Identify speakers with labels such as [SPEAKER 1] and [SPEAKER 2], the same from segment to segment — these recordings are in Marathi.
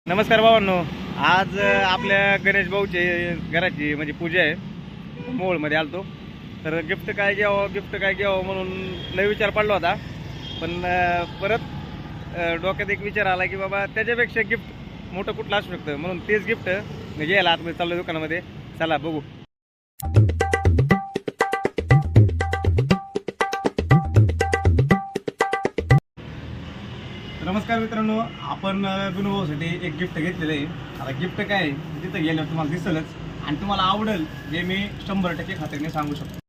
[SPEAKER 1] नमस्कार भावांनो, आज आपल्या गणेश भाऊचे घराची म्हणजे पूजा आहे. मोहोळमध्ये आलतो तर गिफ्ट काय घ्यावं म्हणून लय विचार पडला होता. पण परत डोक्यात एक विचार आला की बाबा त्याच्यापेक्षा गिफ्ट मोठं कुठलं असू शकतं, म्हणून तेच गिफ्ट घ्यायला आतमध्ये चाललो दुकानामध्ये. चला बघू. नमस्कार मित्रांनो, आपण गुणभाऊसाठी एक गिफ्ट घेतलेलं आहे. आता गिफ्ट काय आहे तिथं गेल्यावर तुम्हाला दिसेलच आणि तुम्हाला आवडेल हे मी 100% खात्रीने सांगू शकतो.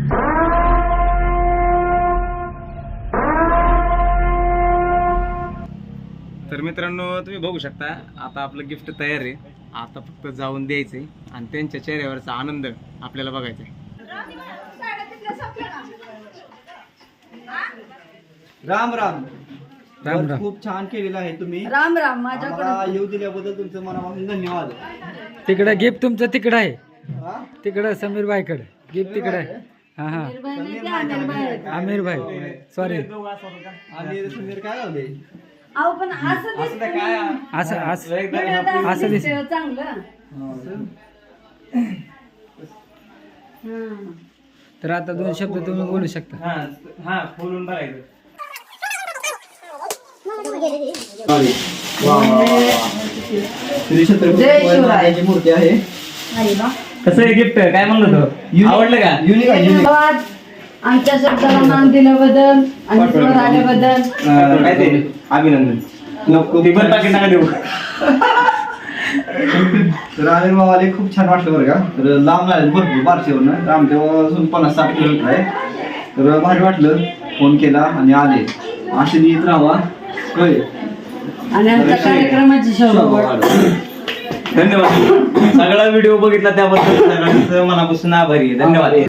[SPEAKER 1] तर मित्रांनो तुम्ही बघू शकता आता आपलं गिफ्ट तयार आहे. आता फक्त जाऊन द्यायचंय आणि त्यांच्या चेहऱ्यावरचा आनंद आपल्याला बघायचा आहे.
[SPEAKER 2] राम राम. खूप छान केलेलं आहे तुम्ही.
[SPEAKER 3] राम राम. माझ्याकडे
[SPEAKER 2] येऊ दिल्याबद्दल तुमचं मनापासून धन्यवाद.
[SPEAKER 4] तिकडे गिफ्ट तुमचं तिकडं आहे,
[SPEAKER 2] हा?
[SPEAKER 4] तिकडं समीर भाईकडे गिफ्ट तिकडे आहे. हा हा आमिर भाई सॉरी
[SPEAKER 2] आणि सुंदर काय लावले?
[SPEAKER 3] अहो पण असं दिसतं
[SPEAKER 1] काय
[SPEAKER 3] ना.
[SPEAKER 4] असं असं
[SPEAKER 3] असं
[SPEAKER 4] असं
[SPEAKER 3] दिसतं चांगलं.
[SPEAKER 4] तर आता 2 शब्द तुम्ही बोलू शकता.
[SPEAKER 1] हा बोलून बघायचं.
[SPEAKER 2] श्री छत्रपती शिवाजी मूर्ती आहे.
[SPEAKER 3] अरे वा.
[SPEAKER 1] कसं आहे गिफ्ट? काय म्हणलं तो? आवडलं का?
[SPEAKER 2] युनिक आहे, युनिक.
[SPEAKER 3] धन्यवाद आमच्या शब्दाला मान दिल्याबद्दल आणि वर आल्याबद्दल.
[SPEAKER 1] काय ते अभिनंदन. ती पण पाकिट नका देऊ.
[SPEAKER 2] तर आमिर भावाले खूप छान वाटलं बरं का. तर लांब झाले भरपूर बारशेवरनं आमच्यापासून 50-60 किलोमीटर आहे. तर भारी वाटलं, फोन केला आणि आले. असे येत राहावा. होय.
[SPEAKER 3] आणि आमच्या कार्यक्रमाची शोभा.
[SPEAKER 1] धन्यवाद. सगळा व्हिडिओ बघितला त्याबद्दल सगळ्यांचं मनापासून आभारी आहे. धन्यवाद.